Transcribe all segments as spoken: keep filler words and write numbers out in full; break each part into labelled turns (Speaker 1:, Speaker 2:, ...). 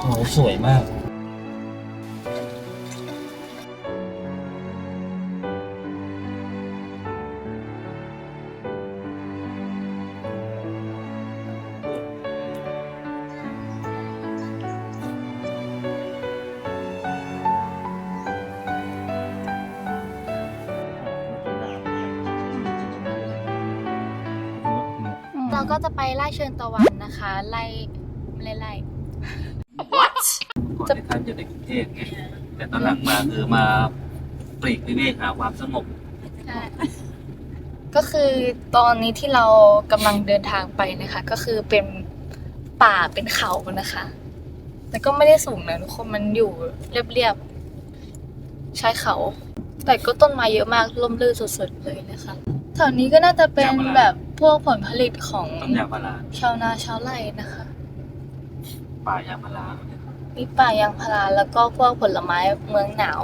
Speaker 1: โหสวยมาก
Speaker 2: เราก็จะไปไล่เชิญตะวันนะคะไล่ไล่ไล่
Speaker 1: What ก่อนที่ท่านจะในกรุงเทพไงแต่ตอนหลังมาคือมาปลีกวิเวกหาความสงบ
Speaker 2: ใช่ก็คือตอนนี้ที่เรากำลังเดินทางไปนะคะก็คือเป็นป่าเป็นเขานะคะแต่ก็ไม่ได้สูงนะทุกคนมันอยู่เรียบๆชายเขา แต่ก็ต้นไม้เยอะมากร่มรื่นสุดๆเลยนะคะแถวนี้ก็น่าจะเป็นแบบพวกผลผลิตของ
Speaker 1: ต้นยางพารา
Speaker 2: ชาวนาชาวไร่นะคะ
Speaker 1: ป่ายางพารา
Speaker 2: มีป่ายางพาราแล้วก็พวกผลไม้เมืองหนาว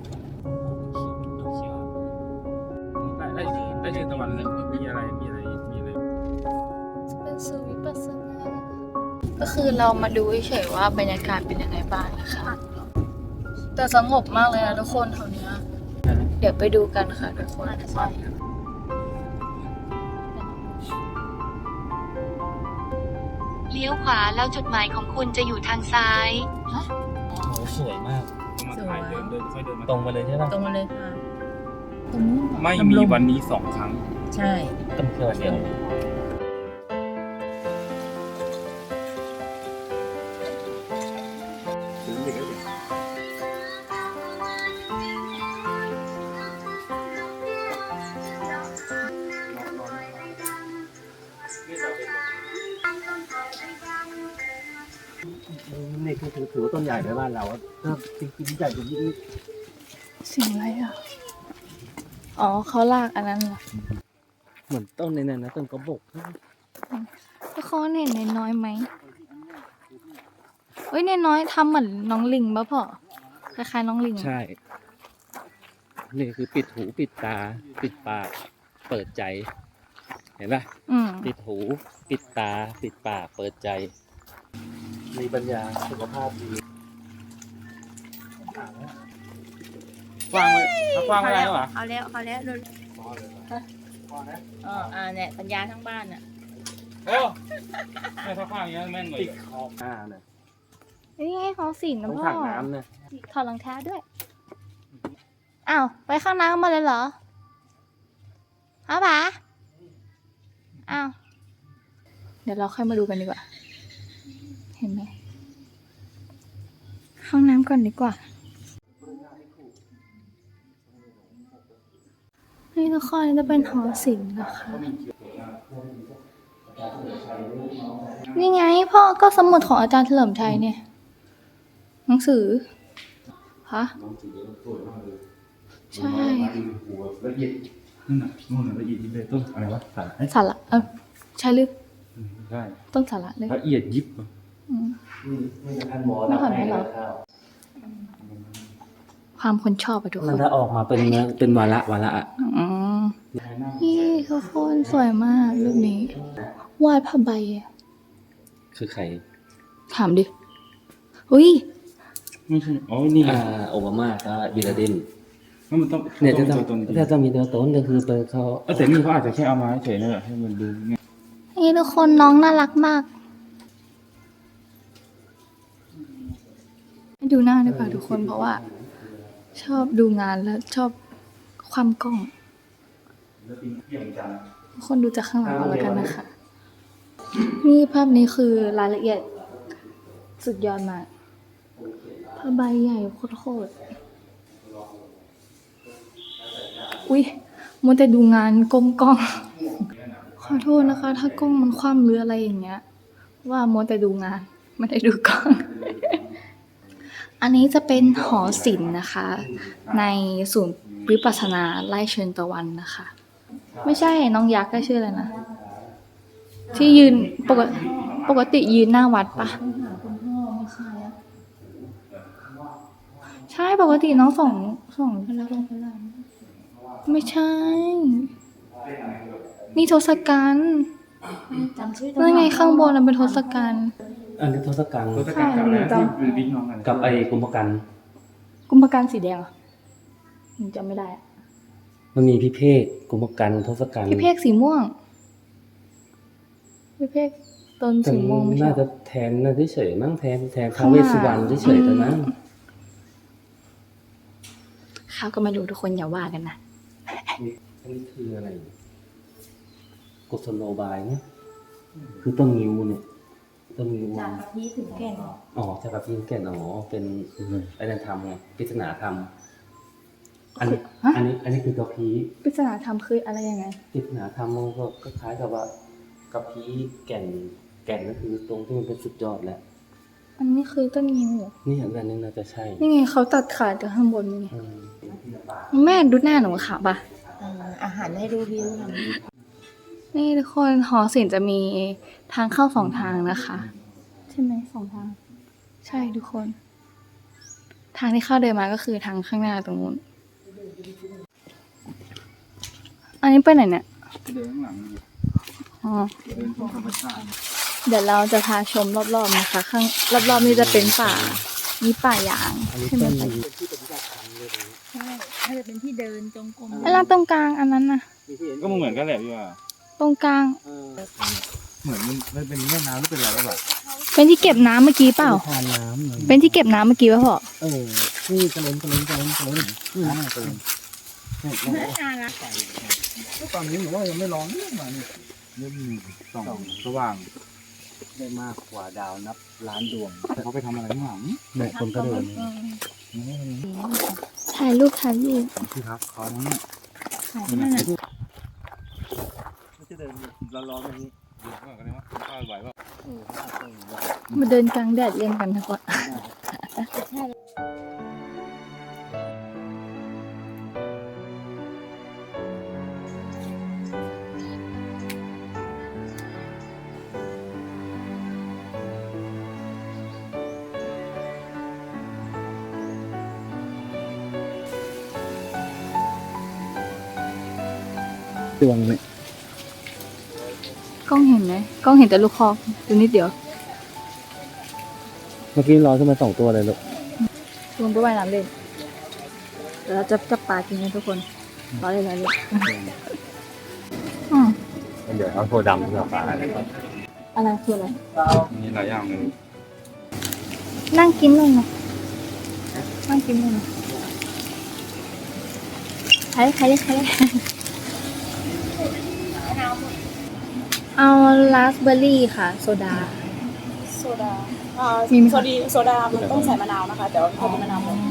Speaker 3: ได้ได้ได้เชิญตะวันเลยมีอะไรมีอะไรมีอะไร
Speaker 2: เป็นสูวิปัสสนาก็คือเรามาดูเฉยๆว่าบรรยากาศเป็นยังไงบ้างนะคะแต่สงบมากเลยนะทุกคนแถวเนี้ยเดี๋ยวไปดูกันค่ะทุกคน
Speaker 4: เลี้ยวขวาแล้วจุดหมายของคุณจะอยู่ทางซ้าย
Speaker 1: โอ้โหสวยมาก
Speaker 3: ต้องมาถ่ายเดินเดินค่อยเดินมา
Speaker 1: ตรงมาเลยใช่ป่ะ
Speaker 5: ตรงมาเลยค่ะ ตรงนู้น
Speaker 3: ไม่มีวันนี้สองครั้ง
Speaker 5: ใช่
Speaker 1: ต้องเที่ยวเดียว
Speaker 6: นี่คือถือถือว่าต้นใหญ่ในบ้านเราอะถ้าจริงๆใหญ่กว่านี้อีก
Speaker 2: สิ่งอะไรอ่ะ อ๋อเขาลากอันนั้นเหรอ
Speaker 6: เหมือนต้นในนั้นนะต้นกระบอก
Speaker 2: ทุกคนเห็นในน้อยไหมเฮ้ยในน้อยทำเหมือนน้องลิงป่ะพ่อคล้ายๆน้องลิง
Speaker 6: ใช่ นี่คือปิดหูปิดตา ปิดปาก เปิดใจ เห็นป่ะ
Speaker 2: อืม
Speaker 6: ปิดหูปิดตา ปิดปากเปิดใจ มีปัญญาสุขภาพดี
Speaker 3: กว้างเลยถ้ากว้างไม่ได้หรอ
Speaker 5: เอาแล้วเอาแล้วดูอ๋ออ่าเนี่ยสัญญาทั้งบ้านอ่ะ
Speaker 3: เอ้าไม่ถ้ากว้างอย่างนี้แม่นเลย
Speaker 6: ติดขอบหน้าเนี่ย
Speaker 2: นี่ไงเขาสิงนะ
Speaker 6: ต้อง
Speaker 2: พ่อ
Speaker 6: ถังน้ำเนี่ย
Speaker 2: ถอดรองเท้าด้วย อ้าว ไปข้างน้ำมาเลยเหรอฮะป๋าอ้าว เดี๋ยวเราค่อยมาดูกันดีกว่า เห็นไหมห้องน้ำก่อนดีกว่า นี่ทุกคนจะเป็นหอศิลป์นะคะ นี่ไงพ่อก็สมุดของอาจารย์เฉลิมชัยเนี่ย หนังสือ ฮะ ใช่
Speaker 3: ละเอียดนั่นน่ะนู่นน่ะละเอียดยิบเลยต้นอะไรวะสาย
Speaker 2: สาระเออใช่หรือ
Speaker 3: ใช่
Speaker 2: ต้นสาระเลย
Speaker 3: ละเอียดยิบ
Speaker 2: อืม
Speaker 6: นี่ท่านหมอ
Speaker 2: ไม่ผ่านไหมเหรอ ความคนชอบอะทุกค
Speaker 6: มัน
Speaker 2: น
Speaker 6: ถ้าออกมาเป็นเป็นวาระวาระอะ
Speaker 2: อืมนี่ทุกคนสวยมากรูปนี้วาดผ้าใบอะ
Speaker 6: คือใคร
Speaker 2: ถามดิ อุ้ย
Speaker 3: ไม่ใช่อ๋อนี่
Speaker 6: อ่าโอบามาก็บิลลาเดน
Speaker 3: มันต้อง
Speaker 6: เนี่ยจะ
Speaker 3: ต้
Speaker 6: ต้
Speaker 3: อ
Speaker 6: อง ง
Speaker 3: ตัวตน
Speaker 6: ถ้าต้องมีตัวตนก็คือเปิดเขา
Speaker 3: แต่นี่เขาอาจจะแค่เอามาเฉยๆนั่นแหละให้มันดูง่าย
Speaker 2: นี่ทุกคนน้องน่ารักมากให้ดูหน้าดีกว่าทุกคนเพราะว่า ชอบดูงานแล้วชอบความกล้องทุกคนดูจากข้างหลังเอาแล้วกันนะคะ นี่ภาพนี้คือรายละเอียดสุดยอดมากผ้าใบใหญ่โคตรๆอุ๊ยมัวแต่ดูงานก้มกล้อง ขอโทษนะคะ ถ้ากล้องมันคว่ำหรืออะไรอย่างเงี้ย ว่ามัวแต่ดูงานไม่ได้ดูกล้อง อันนี้จะเป็นหอศิลป์นะคะ ในศูนย์วิปัสสนาไร่เชิญตะวันนะคะ ไม่ใช่น้องยักษ์ก็ชื่ออะไรนะ ที่ยืนปกติปกติยืนหน้าวัดปะใช่ปกติน้องส่งส่งไม่ใช่ นี่ทศกัณฐ์นั่นไงข้างบนน่ะเป็นทศกัณฐ์
Speaker 6: อันนี้ทศกัณฐ์
Speaker 3: รถจักรเก่าแล้วที่เป็นบิ๊กน้องกัน
Speaker 6: กับไอ้กุมภกัน
Speaker 2: กุมภกันสีแดงเหรอหนูจำไม่ได้อะ
Speaker 6: มันมีพิเภกกุมภกันทศกัณฐ์
Speaker 2: พี่เพกสีม่วงพี่เพกต้นสีม่วงไม่ใช่
Speaker 6: น่า
Speaker 2: เหร
Speaker 6: จะ
Speaker 2: อ
Speaker 6: แทนน่าจะเฉยๆมั้งแทนแทนท้าวเวสสุวรรณเฉยๆแต่นั้น
Speaker 2: ข้าวก็ไม่รู้ทุกคนอย่าว่ากันนะ
Speaker 6: อันนี้คืออะไรกุศโลบายเนี่ยคือต้นงิ้วเนี่ยต้นงิ้ว
Speaker 5: จากกะทิถึงแก่น
Speaker 6: อ๋อจากกับพี่แก่นอ๋อเป็นไอ้นั่นทำไงปริศนาธรรมอันนี้
Speaker 2: ฮะ
Speaker 6: อันนี้ อันนี้คือกะพี
Speaker 2: ปริศนาธรรมคืออะไรยังไง
Speaker 6: ปริศนาธรรมมันก็คล้ายๆกับว่ากะพีแก่นแก่นก็คือตรงที่มันเป็นสุดยอดแหละ
Speaker 2: อันนี้คือต้นงิ้วเหรอ
Speaker 6: นี่อันนี้น่าจะใช่
Speaker 2: นี่ไงเขาตัดขาดจากข้างบนนี่ไง
Speaker 6: อืม
Speaker 2: แม่ดูหน้าหนูค่ะปะ
Speaker 5: อาหารให้ดูวิวค่ะ
Speaker 2: นี่ทุกคนหอศิลป์จะมีทางเข้าสองทางนะคะ ใช่ไหมสองทาง ใช่ทุกคน ทางที่เข้าเดินมาก็คือทางข้างหน้าตรงนู้นอันนี้ไปไหนเนี่ย
Speaker 3: เดินข้างหลัง
Speaker 2: อ๋อ
Speaker 3: เดินชมธรรมชาติ
Speaker 2: เดี๋ยวเราจะพาชมรอบๆนะคะ ข้างรอบๆนี้จะเป็นป่า มีป่ายาง
Speaker 6: อันนี้
Speaker 2: ใช่ไหม
Speaker 6: ต้น
Speaker 2: ป่า
Speaker 6: เป็นที่ปฏิบัติธรรมเลยตรงนี้
Speaker 5: ใช่ถ้าจะเป็นที่เดินจงกรม
Speaker 2: แล้วตรงกลางอันนั้นน่ะ
Speaker 6: มีที่เห็น
Speaker 3: ก็เหมือนกันแหละพี่ว่า
Speaker 2: ตรงกลาง
Speaker 6: เออ
Speaker 3: เหมือนมันมันเป็นแม่น้ำหรือเป็นอะไรแบบ
Speaker 2: เป็นที่เก็บน้ำเมื่อกี้เปล่า
Speaker 6: ทานน้ำเลย
Speaker 2: เป็นที่เก็บน้ำเมื่อกี้ป่ะพ่อ
Speaker 6: เออนี่กระเล็นกระเล็นกระเล็นกระเล็นนี่นะกระเล็นเนี่ยเนี่ย
Speaker 5: น่ารัก
Speaker 3: ตอนนี้ผมว่ายังไม่ร้อนมาเนี่ยเริ่มส่องสว่าง
Speaker 6: ได้มากกว่าดาวนับล้านดวง
Speaker 3: แต่เขาไปทำอะไรข้างหลัง
Speaker 6: เนี่ยคนก็เดิน
Speaker 2: ถ่ายรูปถ่ายรูป
Speaker 3: ที่พักเขาเนี่ย
Speaker 5: ถ่ายที่นั่นน่ะ
Speaker 6: จะเดินร้อนๆแบบนี้
Speaker 3: เดี๋ยวก่อนกันนะว่าข้าวไหวป่ะ
Speaker 2: มาเดินกลางแดดเล่นกันทุกคน
Speaker 6: ดวงเนี่ย
Speaker 2: กล้องเห็นไหมกล้องเห็นแต่ลูกคอตัวนิดเดียว
Speaker 6: เมื่อกี้ลอยขึ้นมาสองตัวเลยลูก
Speaker 2: ลงไปว่ายน้ำเล่นเดี๋ยวเราจะจับปลากินกันทุกคนรอเลยรอเลยอืม
Speaker 3: เดี๋ยวเอาโคดำกับปลาอะไรก่อน
Speaker 2: อะไรคืออะไร
Speaker 3: มีหลายอย่างเลย
Speaker 2: นั่งกินเลยนะนั่งกินเลยนะใครใครใครเอาลาสเบอร์รี่ค่ะ โซดา
Speaker 7: โซดาอ่า
Speaker 2: มีไหมคะ
Speaker 7: โซดีโซดา มันต้องใส่มะนาวนะคะ แต่ว่าพอดีมะนาวหมด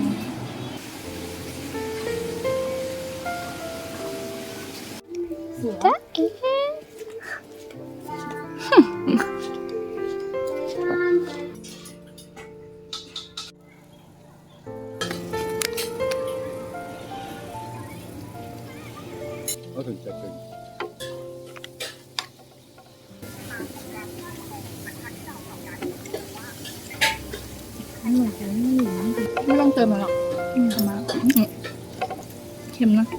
Speaker 2: จ๊ะเอ๊ะ
Speaker 3: ก็ถึงจะเป็น
Speaker 2: ไม่ต้องเติมมันหรอกอืมทำมาอืมเค็มนะ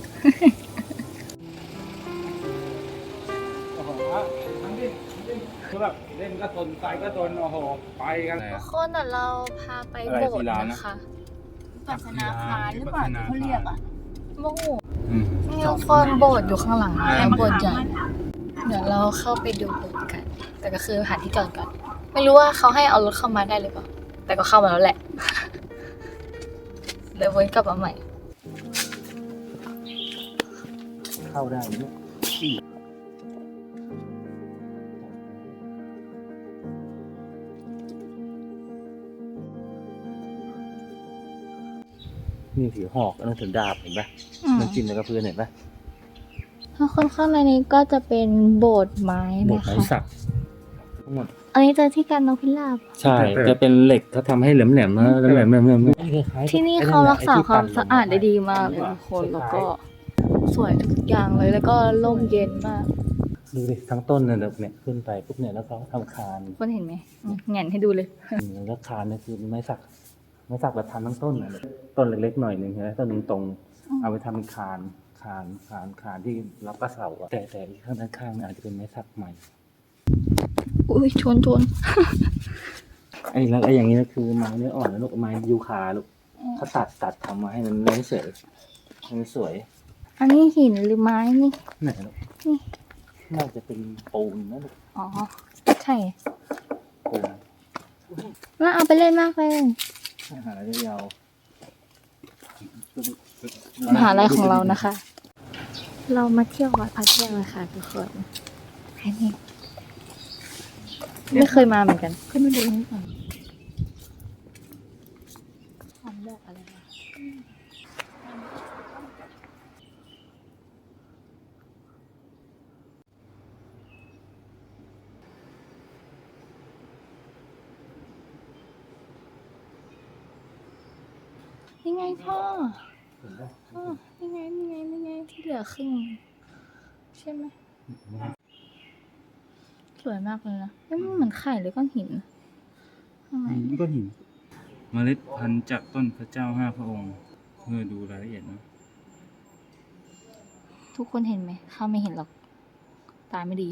Speaker 3: โอ้โหทั้งที่คือแบบเล่นก็ทนไปก็ทนโอ้โหไปกัน
Speaker 2: ทุกคนเดี๋ยวเราพาไป
Speaker 3: อะไร
Speaker 2: โบส
Speaker 3: ศิ
Speaker 2: ถ์
Speaker 3: ลานะ
Speaker 2: นะคะ
Speaker 5: ปัสนาคารหรือเปล่าที่เขาเรียกอ่ะ
Speaker 2: โอ้โหนี่ทุกคนโบสถ์อยู่ข้างหลังนะโบสถ์ใหญ่เดี๋ยวเราเข้าไปดูโบสถ์กัน แต่ก็คือหาที่จอดก่อน ไม่รู้ว่าเขาให้เอารถเข้ามาได้หรือเปล่า แต่ก็เข้ามาแล้วแหละ เดี๋ยววนกลับมาใหม่
Speaker 6: เข้าได้เนี่ยนี่ถือหอกอันนั้นถือดาบเห็นปะ
Speaker 2: อืม
Speaker 6: มันจิ้มในกระเพื่อนเห็นปะ
Speaker 2: ถ้าคนข้างในนี้ก็จะเป็นโบสถ์ไม้
Speaker 6: บท
Speaker 2: นะ
Speaker 6: ไม้
Speaker 2: คะ
Speaker 6: สักทั้งหมด
Speaker 2: อันนี้เจอที่การนกพิราบ
Speaker 6: ใช่ จะเป็นเหล็กเขาทำให้แหลมแหลมๆนะแหลมแหลมแหลมๆ
Speaker 2: ที่นี่เขารักษาความสะอาดได้ดีมากเลยทุกคน แล้วก็สวยทุกอย่างเลย แล้วก็ร่มเย็นมาก
Speaker 6: ดูดิทั้งต้นเนี่ยเนี่ยขึ้นไปปุ๊บเนี่ยแล้วเขาทำคาน
Speaker 2: คนเห็นไหมอืมแหงนให้ดูเลย
Speaker 6: แล้วคานเนี่ยคือไม้สักไม้สักแบบทำทั้งต้นน่ะต้นเล็กๆหน่อยหนึ่งใช่ไหมต้นหนึ่งตรง เอาไปทำเป็นคานคานคานคานที่รับกระเสาอะแต่แต่ข้างด้านข้างเนี่ยอาจจะเป็นไม้สักใหม่
Speaker 2: อุ้ยชนชน
Speaker 6: ไอ้แล้วไอ้อย่างนี้ก็คือไม้เนื้ออ่อนแล้วลูกไม้ยูคาลูกเขาตัดตัดทำมาให้มันเนื้อเฉยให้มันสวย
Speaker 2: อันนี้หินหรือไม้นี่
Speaker 6: ไหนลูก
Speaker 2: นี่
Speaker 6: น่าจะเป็นปูนนะลูก
Speaker 2: อ๋อ ใช่
Speaker 6: ปูน
Speaker 2: น่าเอาไปเล่นมากเลย
Speaker 6: หาได้ยาว
Speaker 2: มหาลัยของเรานะคะ เรามาเที่ยววัดพระแก้วเลยค่ะทุกคนแค่นี้ไม่เคยมาเหมือนกันขึ้นมาดูนี่ก่อนทำแบบอะไรวะนี่ไงพ่อ อ๋อนี่ไงนี่ไงนี่ไงที่เหลือครึ่งใช่ไหมสวยมากเลยนะเอ้ยมันเหมือนไข่หรือก้อนหินข้างใน
Speaker 3: ก้อนหินเมล็ดพันธุ์จากต้นพระเจ้าห้าพระองค์เพื่อดูรายละเอียดนะ
Speaker 2: ทุกคนเห็นไหมข้าไม่เห็นหรอก ตาไม่ดี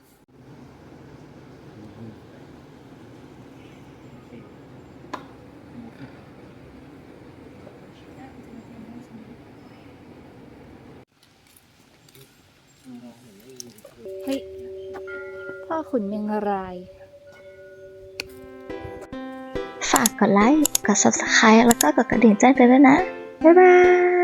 Speaker 2: เฮ้ย พ่อขุนเมียงราย
Speaker 8: ฝากกดไลค์ กด ซับสไครบ์ แล้วก็กดกระดิ่งแจ้งเตือนด้วยนะ บ๊ายบาย